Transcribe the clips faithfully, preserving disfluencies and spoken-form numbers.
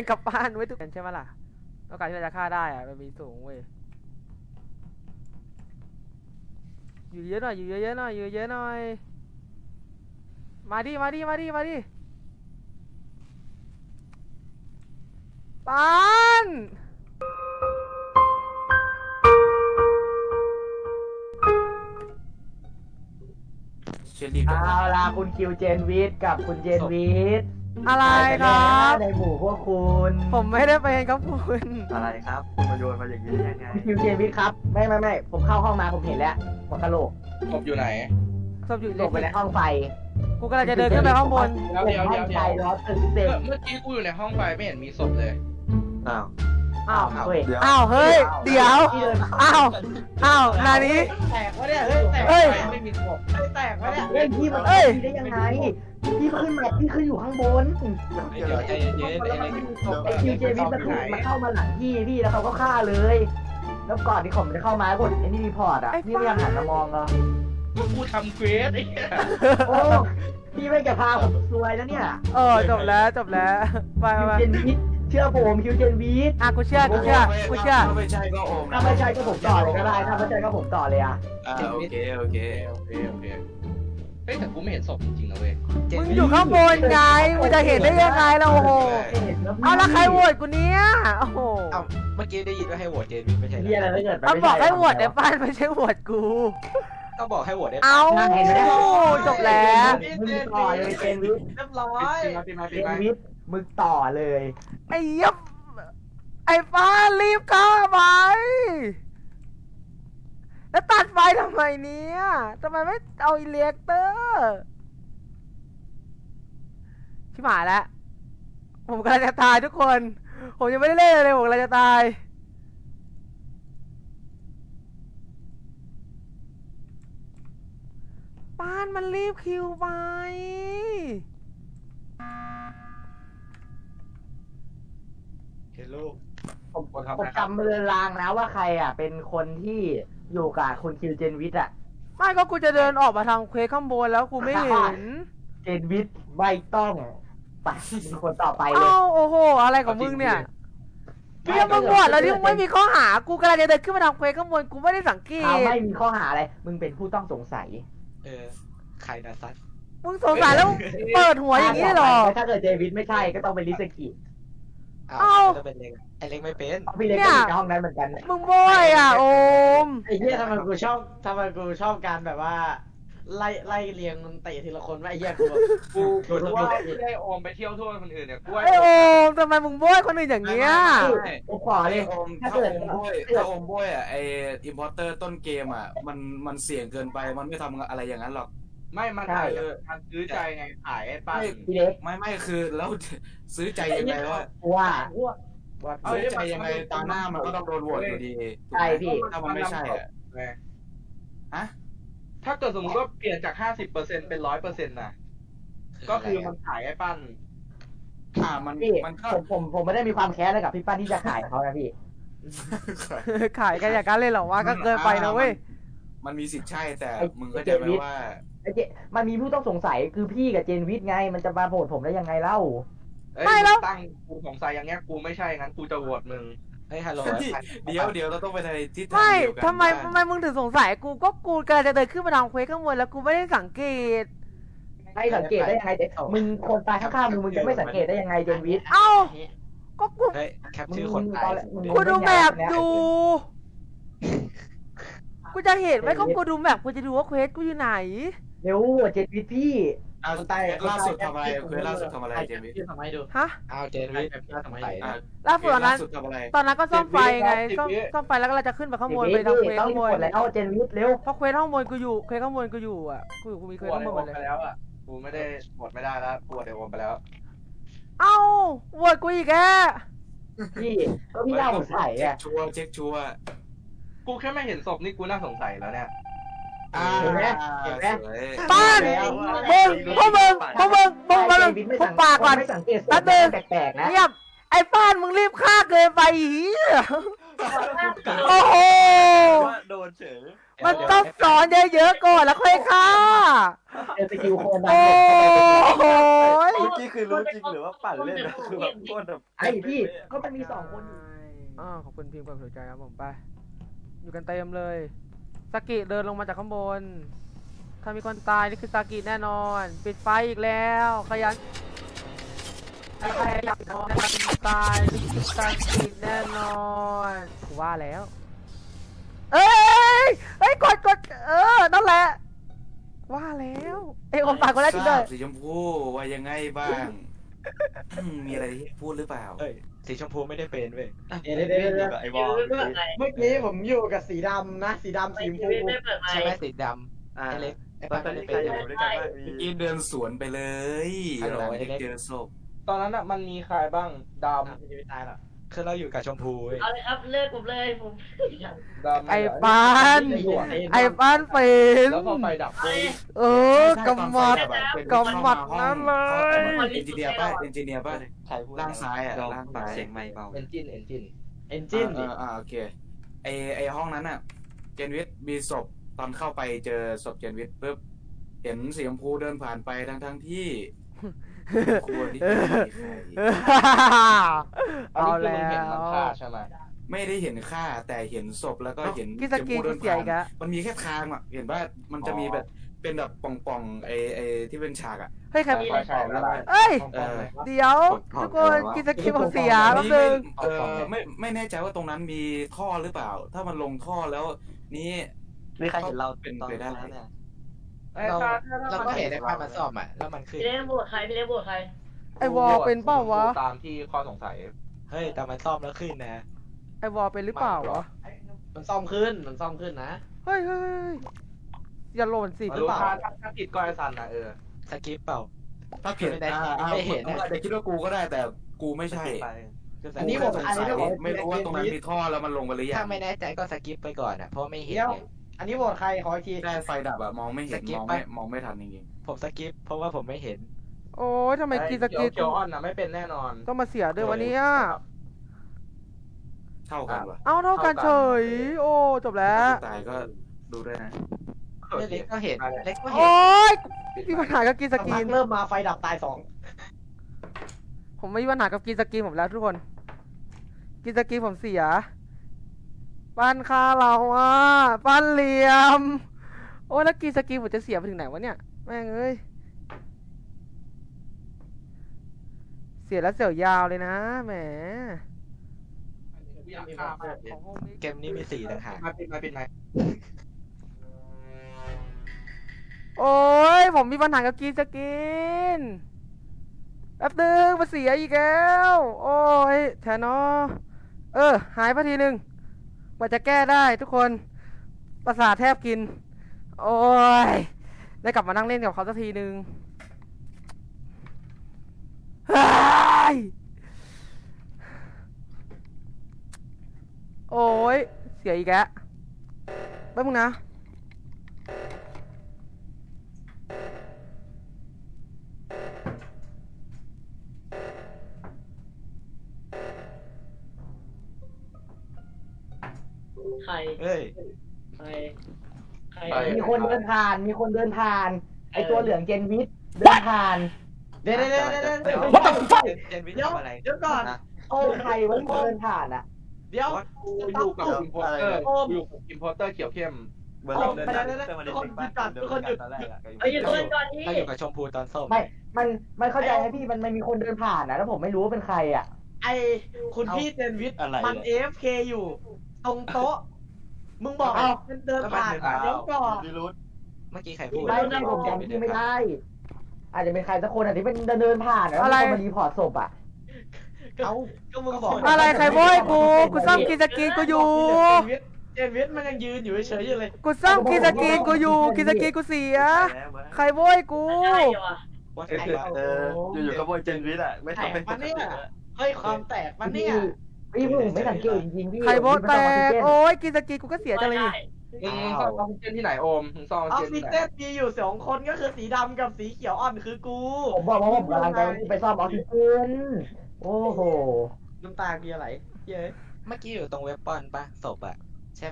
เป็นกับบ้านไว้ทุกคนใช่ไหมล่ะโอกาสที่เราจะฆ่าได้อะมันมีสูงเว้ยอยู่เยอะหน่อยอยู่เยอะๆหน่อยอยู่เยอะหน่อยมาดิมาดิมาดิมาดิปานเอาล่ะคุณคิวเจนวิทกับคุณเจนวิทอะไรครับในหมู่พวกคุณผมไม่ได้เป็นครับคุณอะไรครับคุณมาโยนมาอย่างนี้ยังไงคุณคิวเจนวิทครับไม่ไม่ไม่ผมเข้าห้องมาผมเห็นแล้วหัวกะโหลกศพอยู่ไหนศพอยู่ลงไปในห้องไฟกูกำลังจะเดินขึ้นไปข้างบนเดี๋ยวเดี๋ยวเดี๋ยวห้องไฟร้อนตึงเต็มเมื่อกี้กูอยู่ในห้องไฟไม่เห็นมีศพเลยอ้าวอ้าวเฮ้ยอ้าวเฮ้ยเดี๋ยวอ้าวอ้าวนานี้แตกวะเนี่ยเฮ้ยแตกเฮ้ยไม่มีศพแตกวะเนี่ยเฮ้ยพี่มันเอ้ยได้ยังไงพี่ขึ้นมาพี่ขึ้นอยู่ข้างบนเดี๋ยวใจเย็นๆไอ้เล็กไอคิวเจวิทมันถูกมาเข้ามาหลังพี่พี่แล้วเขาก็ฆ่าเลย แล้วก่อนที่ผมจะเข้ามากดไอ้นี่รีพอร์ตอ่ะพี่ไม่ยังหันมามองเหรอกูทำเควสไอ้เหี้ยโอ้พี่ไม่จะพาผมซวยแล้วเนี่ยเออจบแล้วจบแล้วไปคิวไปเจนวิทเชื่อผมคิวเจนวิทอ่ะกูเชื่อกูเชื่อกูเชื่อถ้าไม่ใช่ก็โอมถ้าไม่ใช่ก็ผมต่อเลยก็ได้ถ้าไม่ใช่ก็ผมต่อเลยอ่ะอ่าโอเคโอเคโอเคโอเคเฮ้ยแต่กูไม่เห็นศพจริงๆนะเว้ยมึงอยู่ข้างบนไงมึงจะเห็นได้ยังไงล่ะโอ้โหเอาแล้วใครโหวตกูเนี้ยโอ้โหเอ้าเมื่อกี้ได้ยินว่าให้โหวตเจนวิทไม่ใช่เรียอะไรไม่เกิดเขาบอกให้โหวตในบ้านไม่ใช่โหวตกูก็บอกให้โหวตได้เอาจบแล้วมึงต่อเลยเจนวิทเรียบร้อยเจนวิทมึงต่อเลยไอ้เหี้ยับไอ้ฟ้ารีบเข้าไปแล้วตัดไฟทำไมเนี่ยทำไมไม่เอาอิเล็กเตอร์ชิบหายแล้วผมกำลังจะตายทุกคนผมยังไม่ได้เล่นเลยผมกำลังจะตายป้านมันรีบคิวไปเห็นลูกผมผมจำเรือนรางนะว่าใครอ่ะเป็นคนที่อยู่กับคุณคิวเจนวิทอ่ะไม่ก็กูจะเดินออกมาทางเควสข้างบนแล้วกูไม่เห็นเจนวิทไม่ต้องไปมีคนต่อไปเลยเอ้าโอ้โหอะไรของมึงเนี่ยเพี่ยมึงบวชแล้วที่มึงไม่มีข้อหากูกำลังจะเดินขึ้นมาทางเควสข้างบนกูไม่ได้สังเกเอาตไม่มีข้อหาอะไร มึงเป็นผู้ต้องสงสัยเออใครนะซัดมึงสงสัยแล้วเปิดหัวอย่างนี้หรอถ้าเกิดเจวิทไม่ใช่ก็ต้องเป็นลิสกิอ้าวจะเป็นเล็กไอเล็กไม่เป็นพี่เล็กก็อยู่ในห้องนั้นเหมือนกันมึงโบยอ่ะโอมไอ้เหี้ยทำไมกูชอบทำไมกูชอบการแบบว่าไล่ไล่เรียงมันเตะทีละคนว่าไอ้เหี้ยกูแบบกูกูว่าไม่ได้โอมไปเที่ยวทั่วคนอื่นเนี่ยกูว่าไอโอมทำไมมึงโบยคนอื่นอย่างเงี้ยผมขอเลยโอมถ้าถ้าเกิโอดมบ้วยถ้าโอมบ้วยอ่ะไออิมพอร์เตอร์ต้นเกมอ่ะมันมันเสี่ยงเกินไปมันไม่ทำอะไรอย่างนั้นหรอกไม่มันขายมันซื้อใจไงขายไอ้ป้าพี่เล็กไม่ไม่คือแล้ว ซื้อใจยังไงว่าว่าซื้อใจยังไงตามหน้ามันก็ต้องโดนโหวตอยู่ดีใช่พี่ถ้ามันไม่ใช่อ่ะฮะถ้าเกิดสมมติว่าเปลี่ยนจากห้าสิบเปอร์เซ็นต์เป็นร้อยเปอร์เซ็นต์นะก็คือมันขายไอ้ปั้นอ่ามันพี่มันก็ผมผมผมไม่ได้มีความแค้นอะไรกับพี่ป้านที่จะขายเขานะพี่ขายกันอย่างนั้นเลยเหรอวะก็เกินไปนะเว้ยมันมีสิทธิ์ใช่แต่ไอ้มึงก็ใจไหมว่าไอ้เจมันมีผู้ต้องสงสัยคือพี่กับเจนวิทไง มันจะมาโหวตผมได้ยังไงเล่าไม่แล้วตั้งกูสงสัยอย่างเงี้ยกูไม่ใช่งั้นกูจะโหวตมึงเฮ้ยฮัลโหลเดี๋ยวเดี๋ยวเราต้องไปในทิศทางไม่เดียวกันทำไมทำไมมึงถึงสงสัยกูก็กูกำลังจะเดินขึ้นมาทางเควสข้างบนแล้วกูไม่ได้สังเกตให้สังเกตได้ยังไงแต่มึงคนตายข้างๆมึงมึงจะไม่สังเกตได้ยังไงเจนวิทเอ้าก็กูเฮ้ยแคปชื่อคนตายกูดูแมพดูกูจะเห็นไหมก็กูดูแมพกูจะดูว่าเควสกูอยู่ไหนเร็วเจนวิทพี่เอาตายล่าสุดทำอะไรเคยล่าสุดทำอะไรเจมี่ทำให้ดูฮะอ้าวเจนวิททำให้ใส่ดูนะล่าสุดตอนนั้นสุดทำอะไรตอนนั้นก็ซ่อมไฟไงซ่อมซ่อมไฟแล้วก็เราจะขึ้นไปข้างบนเจไปนทางวิเควทสต้องข้างบกนดแล้วเจนวิทเร็วเพราะเควสข้างบนกูอยู่เควสข้างบนกูอยู่อ่ะกูอยู่กูมีเควกูสโหวข้างบนหมตดเลยไปแล้วอ่ะกูไม่ได้โหวตไม่ได้แล้วกูโหวตเดี๋ยวโอมไปแล้วเอ้าโหวตกูอีกแกพี่ก็พี่น่าสงสัยเช็คอ่ะชัวร์เช็คชัวร์กูแค่ไม่เห็นศพนี่กูน่าสงสัยแล้วเนี่ยอ่าเห็นไหมเห็นไหมสวยป้านมึงพวกมึงพวกมึงมึงมึงเจนวิทไม่พวสักงปากก่อนไม่สังเกตแป๊บนึงแปลกๆนะเงียบไอ้ป้านมึงรีบฆ่าเกินไปอีโอ้โหโดนเฉยมันต้องสอนเยอะๆก่อนแล้วค่อยฆ่าเจอสกิลโคนดังโอ้เข้าไปเป็นโหเมื่อกี้คือรู้จริงหรือว่าปั่นเล่นนะคือแบบโคตรแบบไอ้พี่ก็มันมีสองคนอยู่อ่าขอบคุณพิมพ์ความสนใจครับผมไป อยู่กันเต็มเลยสากิเดินลงมาจากข้างบน ถ้ามีคนตายนี่คือสากิแน่นอน ปิดไฟอีกแล้วขยันใครอยากนอนตายนี่คือสากิแน่นอนกูว่าแล้ว เอ้ยเอ้ยกดกดเออนั่นแหละ ว่าแล้วเอ้ยอมปากคนแรกจริงด้วยสีชมพูว่ายังไงบ้างอืมมีอะไรที่พูดหรือเปล่าเอ้ยสีชมพูไม่ได้เป็นเว้ยเดี๋ยวเดี๋ยวเดี๋ยวไอ้บอลเมื่อกี้ผมอยู่กับสีดำนะสีดำสีชมพูใช่ไหมสีดำอ่าไอ้เล็กไอ้ตอป้านนไม่นี้ได้ใครเป็นอยู่ด้วยกันบ้างมีเมื่อกี้เดินสวนไปเลยฮัลโหลหลังไอ้จากเล็กเจอศพตอนนั้นอ่ะมันมีใครบ้างดมันจะไม่ตายหรอกคือเราอยู่กับชมพูเว้ยเอาเลยครับเลิกผมเลยผมำดำไอ้ปาน ไอ้ปานเป็นแล้วพอไฟดับเอาเลยเออกำมัด กำหมัดนั่นเลยเอนจิเนียร์ป่ะเอนจิเนียร์ป่ะใครพูดล่างซ้ายอ่ะล่างซ้ายเสียงไม่เบาเอนจินเอนจินเอนจินเอดิออ่าโอเคไอไอห้องนั้นอ่ะ เจนวิทมีศพตอนเข้าไปเจอศพเจนวิทปุ๊บเห็นสีชมพูเดินผ่านไปทั้งทั้งๆที่ควรที่จะมีใครอันเอานี้คือแล้มึงเห็นมันวฆ่าใช่ไหมไม่ได้เห็นค่าแต่เห็นศพแล้วก็เห็นกิสกีชมพูกูเสียอีกแล้วมันมีแค่ทางอ่ะเห็นว่ามันจะมีแบบเป็นแบบป่องๆไอไอที่เป็นฉากอ่ะเฮ้ยใครใช่ใช่แล้วเอ้ยของของเลยเดี๋ยวทุกคนกินสกิปผมเสียแป๊บนึงเออไม่ไม่แน่ใจว่าตรงนั้นมีท่อหรือเปล่า ถ้ามันลงท่อแล้วนี้นี่ใครเห็นเราเป็นตอนไปได้นั้นเนี่ยเราเราก็เห็นไอ้ป้ามันซ่อมอ่ะแล้วมันขึ้นพี่เล่นบวชใครพี่เล่นบวชใครไอวอลเป็นเปล่าวะตามที่ข้อสงสัยเฮ้ยแต่มันซ่อมแล้วขึ้นนะไอวอลเป็นหรือเปล่าวะมันซ่อมขึ้นมันซ่อมขึ้นนะเฮ้ยเฮ้ยอย่าหล่นสิรู้ถ้าถ้าผิดก็ไอซันนะเออสกิปเปล่าถ้าเกิดไม่ได้อ่าอ่าไม่เห็นผมอาจจะคิดว่ากูก็ได้แต่กูไม่ใช่อันนี้ผมกูอันแค่นี้สงผสัมยไม่รู้ว่าตรงนั้นมีท่อแล้วมันลงไปหรือยัถ้าง ไม่แน่ใจก็สกิปไปก่อนอ่ะเพราะไม่เห็นเดี๋ยวไงอันนี้โหวตใครขออีกทีได้ไฟดับอะมองไม่เห็นสกิปมองไปไม่มองไม่ทันจริงผมสกิปเพราะว่าผมไม่เห็นโอ้ยทำไมกินสเขีกิยวปเขียวอ่อนนะไม่เป็นแน่นอนต้องมาเสียด้วยวันนี้ๆเท่ากันวะเอาเท่ากันเฉย โอ้จบแล้วตายก็ดูด้วยนะเล็กก็เห็นเล็กก็เห็นโอ้ยมีปัญหากับกินสสักกิพันกเริ่มมาไฟดับตายสองผมไม่มีปัญหากับกินสกินผมแล้วทุกคน กินสกินผมเสีย ปั้นคาเราอ่ะ ปั้นเหลี่ยม โอ้ยแล้วกินสกินผมจะเสียไปถึงไหนวะเนี่ย แม่งเอ้ย เสียแล้วเสียวยาวเลยนะแหมอยากฆ่ามากของโฮมมิกเกมนี้มีสี่ต่างหากมาปิดมาปิดมาโอ้ยผมมีปัญหากับกินสกินแป๊บนึงมาเสียอีกแล้ว โอ้ยแทนอเออ หายไปทีหนึ่งกว่าจะแก้ได้ทุกคน ประสาทแทบกิน โอ้ย ได้กลับมานั่งเล่นกับเขาสักทีหนึ่งเฮ้ยโอ้ย เสียอีกแล้วแป๊บนึงนะใครเฮ้ยใครใครมีคนเดินผ่าน มีคนเดินผ่าน ไอตัวเหลืองเจนวิทเดินผ่านเดี๋ยวเดี๋ยวเดี๋ยวเดี๋ยวเดี๋ยว What the fuck เจนวิทเดี๋ยวทำอะไรเดี๋ยวก่อนโอ้ใครวะที่เดินผ่านอ่ะเดี๋ยวกูอยู่กับอิมพอร์เตอร์กูอยู่กับอิมพอร์เตอร์เขียวเข้มเบอร์เราเดินทางเพื่อมาเล่นเล็กบ้านเดินกันตอนแรกอะเอ้ยหยุดก่อนก่อนที่ถ้าอยู่กับชมพูตอนส้มไม่ มัน มันเข้าใจไหมพี่ มันมันมีคนเดินผ่านนะแล้วผมไม่รู้ว่าเป็นใครอ่ะไอคุณพี่เจนวิทย์อะไรมันเนี่ยเอฟเคอยู่ตรงโต๊ะ มึงบอกเอ้ามันเดินผ่านเดี๋ยวก่อนดิรุธเมื่อกี้ใครพูดไม่ไม่ผมจำชื่อไม่ได้ อาจจะเป็นใครสักคนอ่ะที่เป็นเดินเดินผ่านแล้วมีคนมารีพอร์ตศพอ่ะเอ้าก็มึงบอกอะไรใครโว้ยกู กูซ่อมกินสกินกูอยู่เจนวิทย์เจนวิทย์มันยังยืนอยู่เฉยๆอยู่เลยกูซ่อมกินสกินกูอยู่ กินสกินกูเสีย ใครโว้ยกูใช่เหรอว่าเออใครวะเอออยู่ๆก็โวยเจนวิทย์อ่ะไม่ทำเป็นปกติอะเฮ้ยความแตกมันเนี่ยพี่ผมไม่สังเกตจริงๆพี่ใครโว้ยแตกโอ้โอ้ยกินสกินกูก็เสียจังเลยนี่มึงซ่อมออกซิเจนที่ไหนโอมมึงซ่อมออออกซิซิเจนเจที่ไหนนมีอยู่สองคนก็คือสีดำกับสีเขียวอ่อนคือกูผมบอกว่าผมกำลังจะไปซ่อมออกซิเจนโอ้โหน้ำตาเบียร์ไหลเย้ยเมื่อกี้อยู่ตรงเว็บปอนปะศพอะใช่ไหมศพ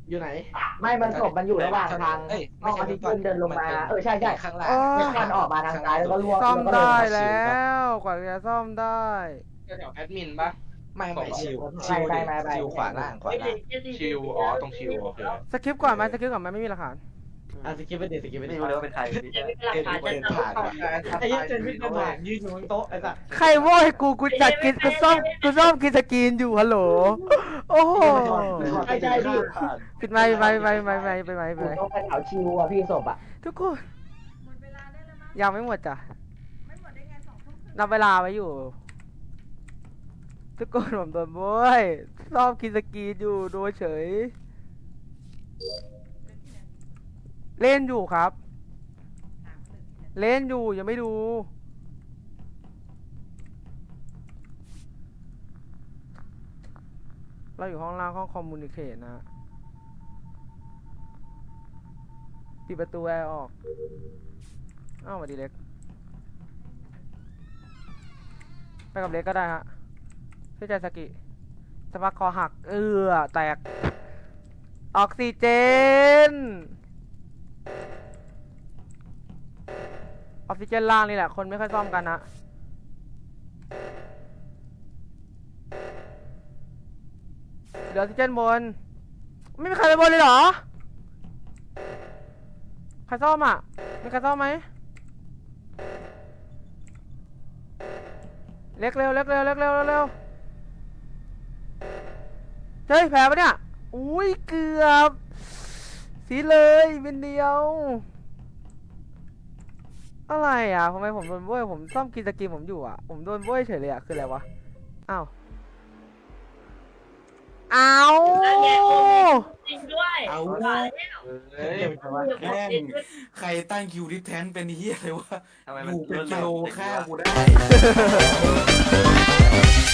อยู่ไหนไม่มันศพมันอยู่ระหว่างทางเอ้ยห้องออกซิเจนเดินลงมาเออใช่ใช่ข้างล่างเนี่ยมันออกมาทางซ้ายแล้วก็ล่วงซ่อมแล้วก็ได้ลงแล้วกว่าจะซ่อมได้แถวแอดมินปะไม่ไม่ชิวไปชิวไปดิไปไปชิวขวาล่างขวาล่างชิวอ๋อตรงชิวโอเคสคริปต์ก่อนไหมสคริปต์ก่อนไหมไม่มีหลักฐานอ่ะสกิปไปดิสกิปไปไม่ดิรู้เลยว่าเป็นใครพี่เวลาผ่านจะผ่านว่ะไอ้เหี้ยเจนวิทย์เดินผ่านยืนอยู่บนโต๊ะไอ้สัสใครโว้ยกูกูจัดกินกูซ่อมกูซ่อมกินสกรีนอยู่ฮัลโหลโอ้โหใช่ใช่พี่ปิดไมค์ไปไปไปไปไปไปไปผมต้องไปแถวชิวอ่ะพี่ศพอ่ะทุกคนยังไม่หมดจ้ะนับเวลาไว้อยู่ ทุกคนผมโดนโว้ยซ่อมกินสกรีนอยู่โดนเฉย เล่นอยู่ครับ เล่นอยู่ยังไม่ดู เราอยู่ห้องล่างห้องคอมมูนิเคชนะ ปิดประตูแอร์ออก อ้าวสวัสดีเล็ก ไปกับเล็กก็ได้ฮะเชื่อใจสกิสปักคอหัก เอือแตก ออกซิเจน ออกซิเจนล่างนี่แหละ คนไม่ค่อยซ่อมกันนะเหลือออกซิเจนบน ไม่มีใครไปบนเลยเหรอ ใครซ่อมอ่ะ มีใครซ่อมไหม เล็กเร็วเล็กเร็วเล็กเร็วเร็วเร็วเฮ้ยแผลปะเนี่ย อุ้ยเกือบสีเลยเป็นเดียว อะไรอ่ะทำไมผมโดนโว้ยผมซ่อมกินสกินผมอยู่อ่ะ ผมโดนโว้ยเฉยเลยอ่ะ คืออะไรวะ อ้าว อ้าวจริงด้วยเอาว่าเฮ้ยแม่งใครตั้งคิวดิแทนเป็นเฮียเลยวะทำไมอมันยู่เป็นกิโลฆ่ากูได้เ